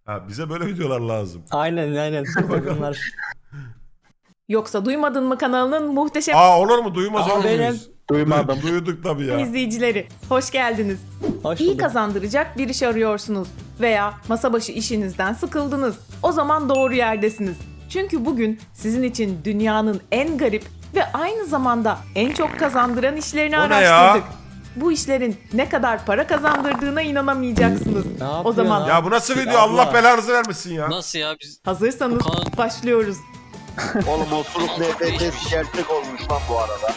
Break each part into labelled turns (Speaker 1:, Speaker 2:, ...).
Speaker 1: Ha, bize böyle videolar lazım.
Speaker 2: Aynen. Bunlar.
Speaker 3: Yoksa Duymadın mı kanalının muhteşem
Speaker 1: Aa, olur mu? Duymaz olur
Speaker 2: benim.
Speaker 1: muyuz?
Speaker 4: Duymadım.
Speaker 1: Duyduk tabii ya.
Speaker 3: izleyicileri. Hoş geldiniz.
Speaker 2: Hoş
Speaker 3: İyi
Speaker 2: bulduk.
Speaker 3: kazandıracak bir iş arıyorsunuz veya masa başı işinizden sıkıldınız. O zaman doğru yerdesiniz. Çünkü bugün sizin için dünyanın en garip ve aynı zamanda en çok kazandıran işlerini
Speaker 1: O ne ya?
Speaker 3: araştırdık. Bu işlerin ne kadar para kazandırdığına inanamayacaksınız.
Speaker 2: Ne
Speaker 3: O
Speaker 2: yapıyorsun
Speaker 3: zaman
Speaker 2: abi?
Speaker 1: Ya bu nasıl video?
Speaker 2: Abla.
Speaker 1: Allah belanızı vermesin ya.
Speaker 5: Nasıl ya biz
Speaker 3: hazırsanız
Speaker 5: Bu kanal-
Speaker 3: başlıyoruz.
Speaker 4: Oğlum osuruk NFT'si gerçek olmuş lan bu arada.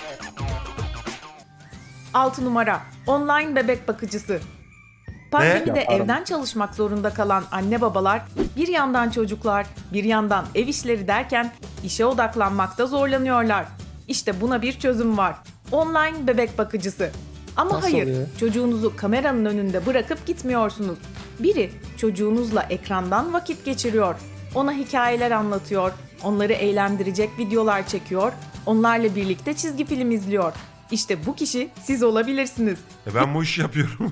Speaker 3: 6 numara online bebek bakıcısı. Pandemide
Speaker 2: Yaparım.
Speaker 3: evden çalışmak zorunda kalan anne babalar bir yandan çocuklar, bir yandan ev işleri derken işe odaklanmakta zorlanıyorlar. İşte buna bir çözüm var. Online bebek bakıcısı. Ama
Speaker 2: Nasıl
Speaker 3: hayır,
Speaker 2: oluyor?
Speaker 3: çocuğunuzu kameranın önünde bırakıp gitmiyorsunuz. Biri çocuğunuzla ekrandan vakit geçiriyor. Ona hikayeler anlatıyor, onları eğlendirecek videolar çekiyor, onlarla birlikte çizgi film izliyor. İşte bu kişi siz olabilirsiniz.
Speaker 1: Ben bu işi yapıyorum.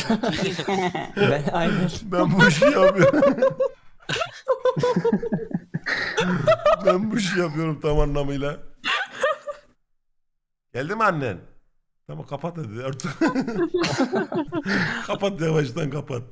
Speaker 2: Aynen.
Speaker 1: Ben bu işi yapıyorum. Ben bu işi yapıyorum tam anlamıyla. Geldi mi annen? Tamam, kapat hadi artık. Kapat, yavaştan kapat.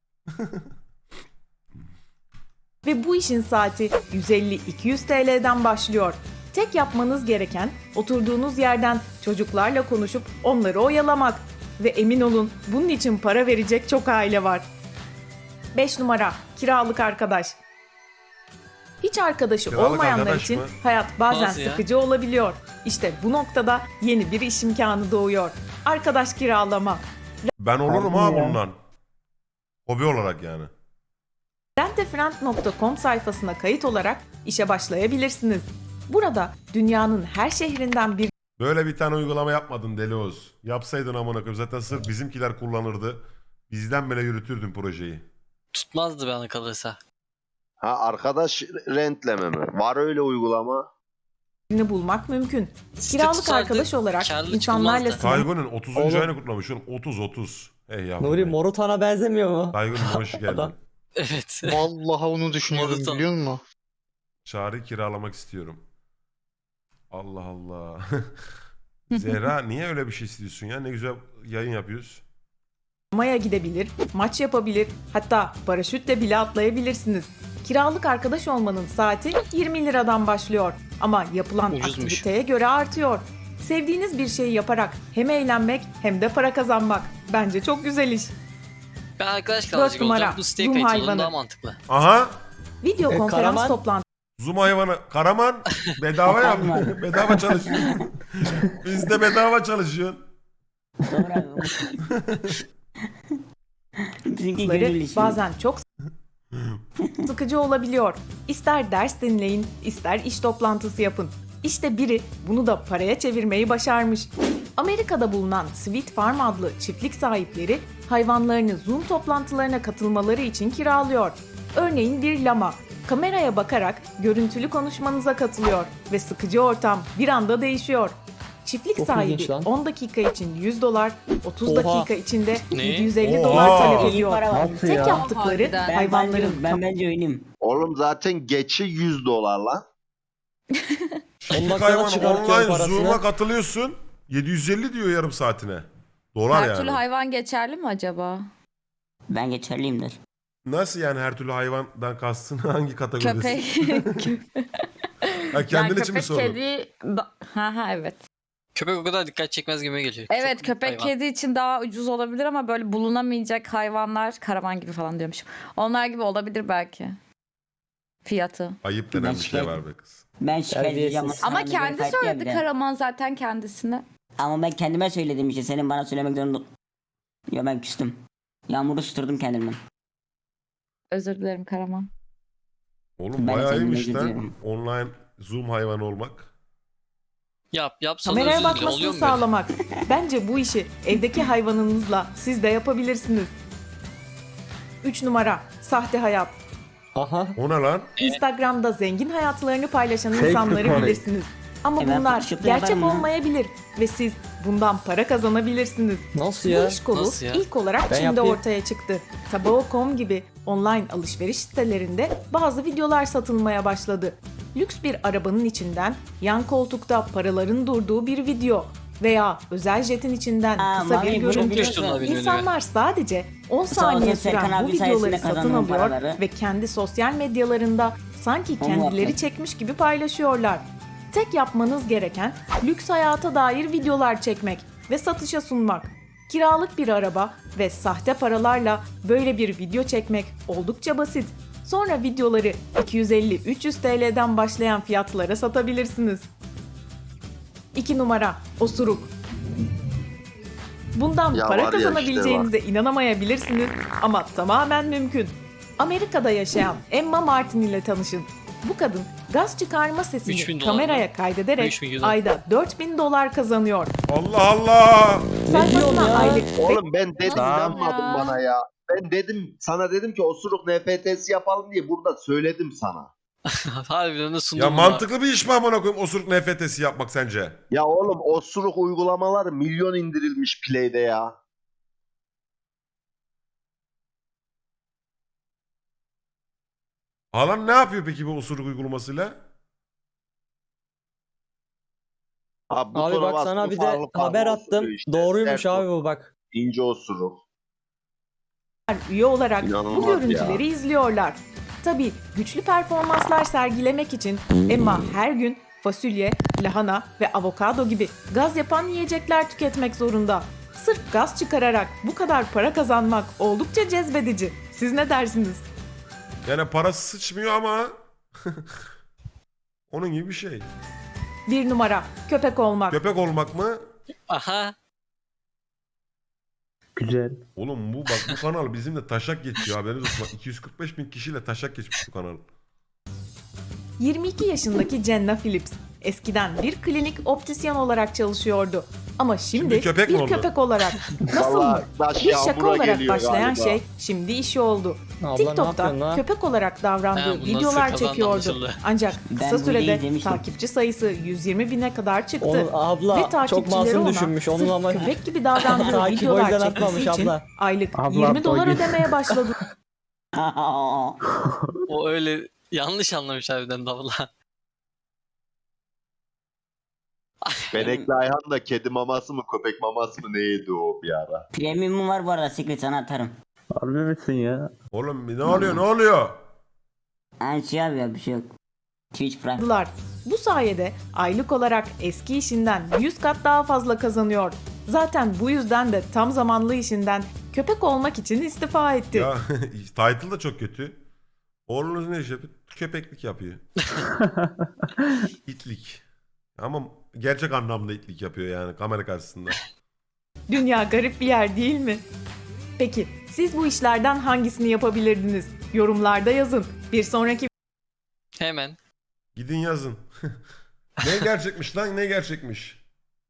Speaker 3: Ve bu işin saati 150-200 TL'den başlıyor. Tek yapmanız gereken oturduğunuz yerden çocuklarla konuşup onları oyalamak. Ve emin olun bunun için para verecek çok aile var. 5 numara kiralık arkadaş. Hiç arkadaşı
Speaker 1: Kiralık
Speaker 3: olmayanlar
Speaker 1: arkadaş
Speaker 3: için
Speaker 1: mı?
Speaker 3: hayat bazen
Speaker 5: Nasıl ya?
Speaker 3: sıkıcı olabiliyor. İşte bu noktada yeni bir iş imkanı doğuyor. Arkadaş kiralama.
Speaker 1: Ben olurum ha
Speaker 2: Harbi ya.
Speaker 1: bundan. Hobi olarak yani.
Speaker 3: Rentefriend.com sayfasına kayıt olarak işe başlayabilirsiniz. Burada dünyanın her şehrinden bir
Speaker 1: Böyle bir tane uygulama yapmadın Deli Oğuz. Yapsaydın amına koyayım. Zaten sırf bizimkiler kullanırdı. Bizden bile yürütürdün projeyi.
Speaker 5: tutmazdı bana kalırsa.
Speaker 4: Ha, arkadaş rentleme mi? Var öyle uygulama.
Speaker 3: birini bulmak mümkün.
Speaker 5: Site
Speaker 3: Kiralık
Speaker 5: tutardı,
Speaker 3: arkadaş olarak
Speaker 5: karlı
Speaker 3: insanlarla
Speaker 5: çıkılmazdı.
Speaker 1: Taygun'un 30.
Speaker 2: Oğlum.
Speaker 1: ayını kutlamışsın. 30. Hey yavrum.
Speaker 2: Nuri
Speaker 1: hey.
Speaker 2: Morutan'a benzemiyor mu?
Speaker 1: Taygun hoş geldin.
Speaker 2: Adam.
Speaker 5: Evet.
Speaker 6: Vallahi onu düşünüyordum
Speaker 5: Morutan.
Speaker 6: biliyor musun?
Speaker 1: Çağrı kiralamak istiyorum. Allah Allah. Zehra niye öyle bir şey istiyorsun ya? Ne güzel yayın yapıyoruz.
Speaker 3: Maya gidebilir, maç yapabilir, hatta paraşütle bile atlayabilirsiniz. Kiralık arkadaş olmanın saati 20 liradan başlıyor ama yapılan
Speaker 5: Ucuzmuş.
Speaker 3: aktiviteye göre artıyor. Sevdiğiniz bir şeyi yaparak hem eğlenmek hem de para kazanmak. Bence çok güzel iş.
Speaker 5: Ben arkadaş kalacak
Speaker 3: numara,
Speaker 5: olacağım. Bu siteye
Speaker 3: Zoom
Speaker 5: kayıt
Speaker 3: hayvanı.
Speaker 5: olun daha mantıklı.
Speaker 1: Aha.
Speaker 3: Video konferans
Speaker 2: Karaman.
Speaker 3: toplantısı
Speaker 1: Zoom hayvanı. Karaman bedava yap. Bedava çalışıyorsun. Bizde bedava çalışıyorsun.
Speaker 7: Bizimki gönül işi.
Speaker 3: bazen çok sıkıcı olabiliyor. İster ders dinleyin, ister iş toplantısı yapın. İşte biri bunu da paraya çevirmeyi başarmış. Amerika'da bulunan Sweet Farm adlı çiftlik sahipleri hayvanlarını Zoom toplantılarına katılmaları için kiralıyor. Örneğin bir lama kameraya bakarak görüntülü konuşmanıza katılıyor ve sıkıcı ortam bir anda değişiyor. Çiftlik
Speaker 2: Çok
Speaker 3: sahibi
Speaker 2: ilginç lan.
Speaker 3: 10 dakika için $100, 30
Speaker 2: Oha.
Speaker 3: dakika içinde
Speaker 5: Ne?
Speaker 3: 750
Speaker 1: Oha.
Speaker 3: dolar talep
Speaker 7: İyi
Speaker 3: ediyor.
Speaker 7: para var.
Speaker 2: Nasıl
Speaker 3: Tek
Speaker 2: ya?
Speaker 3: yaptıkları
Speaker 7: Ben
Speaker 3: hayvanların
Speaker 7: bence oynayayım.
Speaker 4: Oğlum zaten geçi $100 lan.
Speaker 2: 10
Speaker 1: Çiftlik
Speaker 2: dakikada
Speaker 1: hayvan
Speaker 2: çıkartıyor
Speaker 1: online
Speaker 2: parasını.
Speaker 1: Zoom'a katılıyorsun. 750 diyor yarım saatine. Dolar
Speaker 8: Her
Speaker 1: yani.
Speaker 8: türlü hayvan geçerli mi acaba?
Speaker 7: Ben geçerliyimdir.
Speaker 1: Nasıl yani her türlü hayvandan kastın hangi kategoridesin?
Speaker 8: Köpek.
Speaker 1: Ha, kendin için mi
Speaker 8: köpek,
Speaker 1: sordun?
Speaker 8: kedi... Ha evet.
Speaker 5: Köpek o kadar dikkat çekmez gibi geliyor.
Speaker 8: Evet
Speaker 5: Çok
Speaker 8: köpek
Speaker 5: hayvan.
Speaker 8: kedi için daha ucuz olabilir ama böyle bulunamayacak hayvanlar karavan gibi falan diyormuşum. Onlar gibi olabilir belki. Fiyatı.
Speaker 1: Ayıp denen bir şey var be kız.
Speaker 7: Ben şikayet edeceğim.
Speaker 2: Terbiyesiz.
Speaker 8: Ama
Speaker 7: Sana bir
Speaker 8: kendi
Speaker 7: kayıt
Speaker 8: söyledi
Speaker 7: geldi.
Speaker 8: Karaman zaten kendisine.
Speaker 7: Ama ben kendime söyledim işte. Senin bana söylemek zorunda... Ya ben küstüm. Yağmuru susturdum kendimden.
Speaker 8: Özür dilerim Karaman.
Speaker 1: Oğlum
Speaker 7: Ben de
Speaker 1: bayağı
Speaker 7: kendime
Speaker 1: iyiymiş lan.
Speaker 7: gidiyorum.
Speaker 1: Online Zoom hayvanı olmak.
Speaker 5: Yap sonra
Speaker 3: Kameraya
Speaker 5: özür dile.
Speaker 3: bakmasını
Speaker 5: Oluyor mu böyle?
Speaker 3: sağlamak. Bence bu işi evdeki hayvanınızla siz de yapabilirsiniz. 3 numara sahte hayat.
Speaker 2: Aha.
Speaker 1: O ne lan?
Speaker 3: Instagram'da zengin hayatlarını paylaşan
Speaker 4: Fake
Speaker 3: insanları
Speaker 4: money.
Speaker 3: bilirsiniz. Ama
Speaker 7: Ben
Speaker 3: bunlar
Speaker 7: Photoshop'ta
Speaker 3: gerçek
Speaker 7: yaparım ya.
Speaker 3: olmayabilir ve siz bundan para kazanabilirsiniz.
Speaker 2: Nasıl
Speaker 3: Bu
Speaker 2: ya?
Speaker 3: iş kolu
Speaker 5: Nasıl ya?
Speaker 3: ilk olarak
Speaker 2: Ben
Speaker 3: Çin'de
Speaker 2: yapayım.
Speaker 3: ortaya çıktı. Tabaco.com gibi online alışveriş sitelerinde bazı videolar satılmaya başladı. Lüks bir arabanın içinden yan koltukta paraların durduğu bir video veya özel jetin içinden
Speaker 7: Aa,
Speaker 3: kısa bir
Speaker 7: Mami,
Speaker 3: görüntü.
Speaker 7: bunu
Speaker 5: düştüm lan benim önüme.
Speaker 3: İnsanlar sadece 10
Speaker 7: Sağ
Speaker 3: saniye
Speaker 7: olsun Serkan
Speaker 3: süren bu
Speaker 7: abi
Speaker 3: videoları
Speaker 7: sayesinde
Speaker 3: satın
Speaker 7: kazandım
Speaker 3: alıyor
Speaker 7: paraları.
Speaker 3: ve kendi sosyal medyalarında sanki
Speaker 7: Onu
Speaker 3: kendileri
Speaker 7: yapmak.
Speaker 3: çekmiş gibi paylaşıyorlar. Tek yapmanız gereken lüks hayata dair videolar çekmek ve satışa sunmak. Kiralık bir araba ve sahte paralarla böyle bir video çekmek oldukça basit. Sonra videoları 250-300 TL'den başlayan fiyatlara satabilirsiniz. 2 numara osuruk. Bundan
Speaker 4: Ya
Speaker 3: para
Speaker 4: var ya işte
Speaker 3: kazanabileceğinize inanamayabilirsiniz ama tamamen mümkün. Amerika'da yaşayan Emma Martin ile tanışın. Bu kadın gaz çıkarma
Speaker 5: 3000
Speaker 3: sesini
Speaker 5: dolar
Speaker 3: kameraya
Speaker 5: mı?
Speaker 3: kaydederek
Speaker 5: 3000 dolar.
Speaker 3: ayda $4.000 kazanıyor.
Speaker 1: Allah Allah.
Speaker 3: Sayfasına
Speaker 2: ya?
Speaker 3: aylık
Speaker 4: Oğlum ben dedim
Speaker 8: Tamam
Speaker 4: inanmadın
Speaker 8: ya.
Speaker 4: bana ya. Ben sana dedim ki osuruk NFT'si yapalım diye burada söyledim sana.
Speaker 5: Harbiden de sundum
Speaker 1: Ya
Speaker 5: buna.
Speaker 1: mantıklı bir iş mi amına koyayım osuruk NFT'si yapmak sence?
Speaker 4: Ya oğlum osuruk uygulamaları milyon indirilmiş Play'de ya.
Speaker 1: Alan ne yapıyor peki bu osuruk uygulamasıyla?
Speaker 4: Abi,
Speaker 2: Abi
Speaker 4: butona
Speaker 2: bak sana
Speaker 4: bastın,
Speaker 2: bir de
Speaker 4: farklı farklı
Speaker 2: haber
Speaker 4: osuruyor
Speaker 2: attım.
Speaker 4: işte.
Speaker 2: Doğruymuş
Speaker 4: Sert
Speaker 2: abi bu bak.
Speaker 4: İnce osuruk.
Speaker 3: üye olarak bu
Speaker 4: İnanılmaz
Speaker 3: görüntüleri
Speaker 4: ya.
Speaker 3: izliyorlar. Tabii güçlü performanslar sergilemek için Emma her gün fasulye, lahana ve avokado gibi gaz yapan yiyecekler tüketmek zorunda. Sırf gaz çıkararak bu kadar para kazanmak oldukça cezbedici. Siz ne dersiniz?
Speaker 1: Yani parası sıçmıyor ama onun gibi bir şey.
Speaker 3: 1 numara köpek olmak.
Speaker 1: Köpek olmak mı?
Speaker 5: Aha.
Speaker 6: Güzel.
Speaker 1: Oğlum bu bak bu kanal bizimle taşak geçiyor haberiniz olsun. Bak 245 bin kişiyle taşak geçmiş bu kanal.
Speaker 3: 22 yaşındaki Jenna Phillips eskiden bir klinik optisyen olarak çalışıyordu. Ama şimdi
Speaker 1: Şimdi köpek mi
Speaker 3: bir
Speaker 1: oldu?
Speaker 3: köpek olarak. Nasıl mı?
Speaker 4: Vallahi taş
Speaker 3: Bir şaka
Speaker 4: yağmura
Speaker 3: olarak
Speaker 4: geliyor
Speaker 3: başlayan
Speaker 4: galiba.
Speaker 3: şey şimdi işi oldu.
Speaker 2: Abla ne yapıyorsun
Speaker 3: TikTok'ta
Speaker 2: la?
Speaker 3: köpek olarak davrandığı
Speaker 5: Ha, bu nasıl
Speaker 3: videolar
Speaker 5: kazandı
Speaker 3: çekiyordu.
Speaker 5: anlaşıldı.
Speaker 3: Ancak
Speaker 7: Ben
Speaker 3: kısa
Speaker 7: bu videoyu
Speaker 3: sürede
Speaker 7: izlemiştim.
Speaker 3: takipçi sayısı 120 bine kadar çıktı.
Speaker 2: Onu,
Speaker 3: Ve
Speaker 2: abla çok
Speaker 3: takipçileri
Speaker 2: masum
Speaker 3: ona
Speaker 2: düşünmüş. Onun
Speaker 3: sırf
Speaker 2: ama
Speaker 3: köpek gibi davrandığı
Speaker 2: Takip o
Speaker 3: videolar
Speaker 2: yüzden
Speaker 3: çekmesi
Speaker 2: atmamış
Speaker 3: için
Speaker 2: abla.
Speaker 3: aylık
Speaker 6: Abla,
Speaker 3: $20
Speaker 6: doy-
Speaker 3: ödemeye başladı.
Speaker 5: O öyle yanlış anlamış harbiden de abla.
Speaker 4: Benekli Ayhan da kedi maması mı köpek maması mı neydi o bir ara?
Speaker 7: Premium'um var bu arada, Secret sana atarım.
Speaker 6: Harbi misin ya?
Speaker 1: Oğlum ne oluyor ne oluyor?
Speaker 7: Yani şey abi ya, bir şey yok. Twitch Prime.
Speaker 3: Bu sayede aylık olarak eski işinden 100 kat daha fazla kazanıyor. Zaten bu yüzden de tam zamanlı işinden köpek olmak için istifa etti.
Speaker 1: Ya title da çok kötü. Oğlunuz ne iş yapıyor? Köpeklik yapıyor. İtlik. Ama gerçek anlamda itlik yapıyor yani kamera karşısında.
Speaker 3: Dünya garip bir yer değil mi? Peki siz bu işlerden hangisini yapabilirdiniz? Yorumlarda yazın. Bir sonraki
Speaker 5: Hemen.
Speaker 1: Gidin yazın. Ne gerçekmiş lan ne gerçekmiş?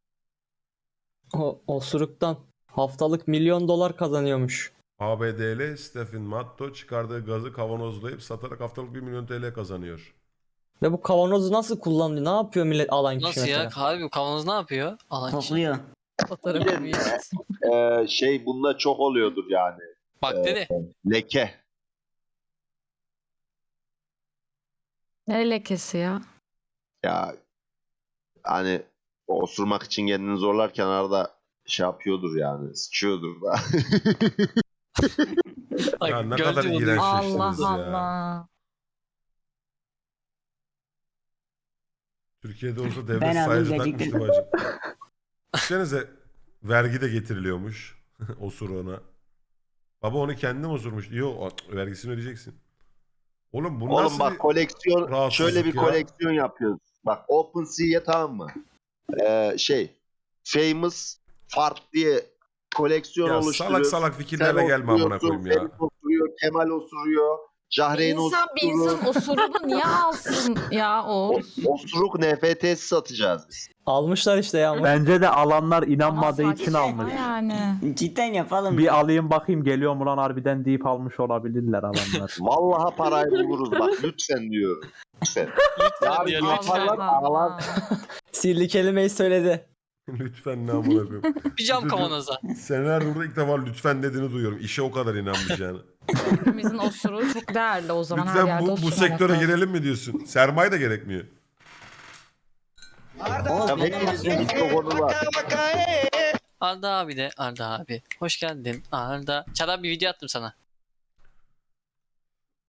Speaker 2: o osuruktan haftalık $1 milyon kazanıyormuş.
Speaker 1: ABD'li Stephen Matto çıkardığı gazı kavanozlayıp satarak haftalık 1 milyon TL kazanıyor.
Speaker 2: Ve bu kavanozu nasıl kullanıyor? Ne yapıyor millet alan kişi
Speaker 5: Nasıl
Speaker 2: mesela?
Speaker 5: ya? Harbi bu kavanoz ne yapıyor? Alan kişi.
Speaker 7: Topluyor.
Speaker 8: Fotoğrafı büyük.
Speaker 4: Şey bunda çok oluyordur yani.
Speaker 5: Bakteri.
Speaker 4: Leke.
Speaker 8: Ne lekesi ya?
Speaker 4: Ya hani osurmak için kendini zorlarken arada şey yapıyordur yani. Sıçıyordur da.
Speaker 5: Bak,
Speaker 1: Ya ne
Speaker 5: gördün
Speaker 1: kadar
Speaker 5: mü onu?
Speaker 1: iğrenç.
Speaker 8: Allah
Speaker 1: Şaşırırız ya.
Speaker 8: Allah.
Speaker 1: Türkiye'de olsa devlet
Speaker 7: Ben aldım
Speaker 1: sayıcı
Speaker 7: gerçekten.
Speaker 1: takmıştı bacım. Düşünsenize vergi de getiriliyormuş osuruğuna. Baba onu kendim osurmuş. Yok vergisini ödeyeceksin. Oğlum bu
Speaker 4: Oğlum
Speaker 1: nasıl
Speaker 4: bak
Speaker 1: bir...
Speaker 4: koleksiyon
Speaker 1: rahatsızlık
Speaker 4: şöyle bir
Speaker 1: ya?
Speaker 4: koleksiyon yapıyoruz. Bak OpenSea'ye tamam mı? Famous Fart diye koleksiyon
Speaker 1: Ya
Speaker 4: oluşturuyoruz.
Speaker 1: salak salak fikirlerle gelme amına koyayım ya.
Speaker 4: Ferit osuruyor, Kemal osuruyor, Cahreyn
Speaker 8: İnsan bir
Speaker 4: osuruyor.
Speaker 8: insan osurunu niye alsın ya o?
Speaker 4: Osuruk NFT'si satacağız biz.
Speaker 2: Almışlar işte ya.
Speaker 6: Bence de alanlar inanmadığı
Speaker 8: Ama
Speaker 6: için
Speaker 8: saçma
Speaker 6: almış.
Speaker 8: Yani.
Speaker 7: Cidden yapalım.
Speaker 6: Bir alayım bakayım geliyor mu lan harbiden deyip almış olabilirler alanlar.
Speaker 4: Vallahi parayı buluruz bak lütfen diyorum. Lütfen.
Speaker 5: Lütfen
Speaker 4: Yarın
Speaker 5: diyor,
Speaker 4: yaparlar
Speaker 5: lütfen.
Speaker 4: ağlar.
Speaker 2: Sihirli kelimeyi söyledi.
Speaker 1: Lütfen ne amına koyayım.
Speaker 5: Bir cam
Speaker 1: Çocuk-
Speaker 5: kavanoza.
Speaker 1: Senelerdir burada ilk defa lütfen dediğini duyuyorum. İşe o kadar inanmış yani.
Speaker 8: Hepimizin osuruğu çok değerli o zaman her
Speaker 1: Lütfen
Speaker 8: yerde
Speaker 1: bu
Speaker 8: osurmamak
Speaker 1: sektöre
Speaker 8: lazım.
Speaker 1: girelim mi diyorsun? Sermaye de gerekmiyor.
Speaker 7: Oğuz
Speaker 4: Ya
Speaker 7: benim
Speaker 4: hepimizin bir konu var.
Speaker 5: Arda abi de Arda abi. Hoş geldin Arda. Çağrı abi bir video attım sana.